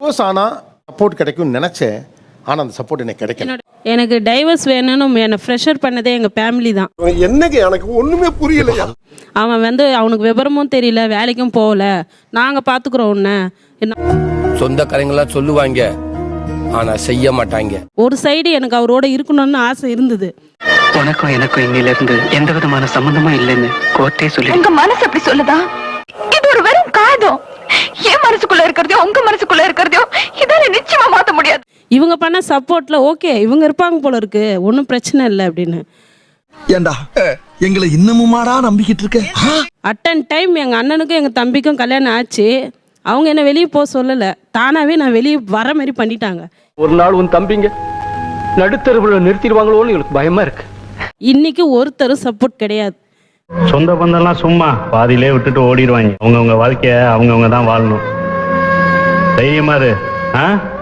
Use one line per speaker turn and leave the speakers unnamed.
Divorce ஆனால் support கிடைக்கும்னு நினச்சேன். ஆனால் அந்த சப்போர்ட் எனக்கு கிடைக்கல.
எனக்கு டைவர்ஸ் வேணும்னு என்னை ப்ரெஷர் பண்ணதே எங்கள் ஃபேமிலி தான்.
என்னங்க எனக்கு ஒன்றுமே புரியலையா?
அவன் அவனுக்கு விவரமும் தெரியல, வேலைக்கும் போகல, நாங்கள் பார்த்துக்குறோம் உன்னை.
சொந்தக்காரங்களாம் சொல்லுவாங்க, ஆனால் செய்ய மாட்டாங்க.
ஒரு சைடு எனக்கு அவரோட இருக்கணும்னு ஆசை இருந்தது.
உனக்கும் எனக்கும் இன்னில இருந்து எந்த விதமான சம்பந்தமும் இல்லைன்னு கோர்ட்டே சொல்லி.
உங்க மனசு அப்படி சொல்லுதா? இது ஒரு வெறும் காதம். என் மனசுக்குள்ள இருக்கிறதையோ உங்க மனசுக்குள்ள இருக்கிறதையோ இதால நிச்சயமா மாத்த முடியாது.
இவங்க பண்ண சப்போர்ட்ல ஓகே இவங்க இருப்பாங்க போல இருக்கு, ஒன்றும் பிரச்சனை இல்லை அப்படின்னு.
ஏண்டா எங்களை இன்னமுமாடா நம்பிக்கிட்டு இருக்க?
அட்டன் டைம் எங்கள் அண்ணனுக்கும் எங்கள் தம்பிக்கும் கல்யாணம் ஆச்சு. அவங்க என்ன வெளியே போக சொல்லலை, தானாகவே நான் வெளியே வர மாதிரி பண்ணிட்டாங்க.
ஒரு நாள் உன் தம்பிங்க நடுத்தருவில் நிறுத்திடுவாங்களோன்னு எனக்கு பயமா இருக்கு.
இன்னைக்கு ஒருத்தரும் சப்போர்ட் கிடையாது.
சொந்த பந்தம்லாம் சும்மா பாதியிலே விட்டுட்டு ஓடிடுவாங்க. அவங்கவுங்க வாழ்க்கைய அவங்கவுங்க தான் வாழணும். தைரியமா இரு.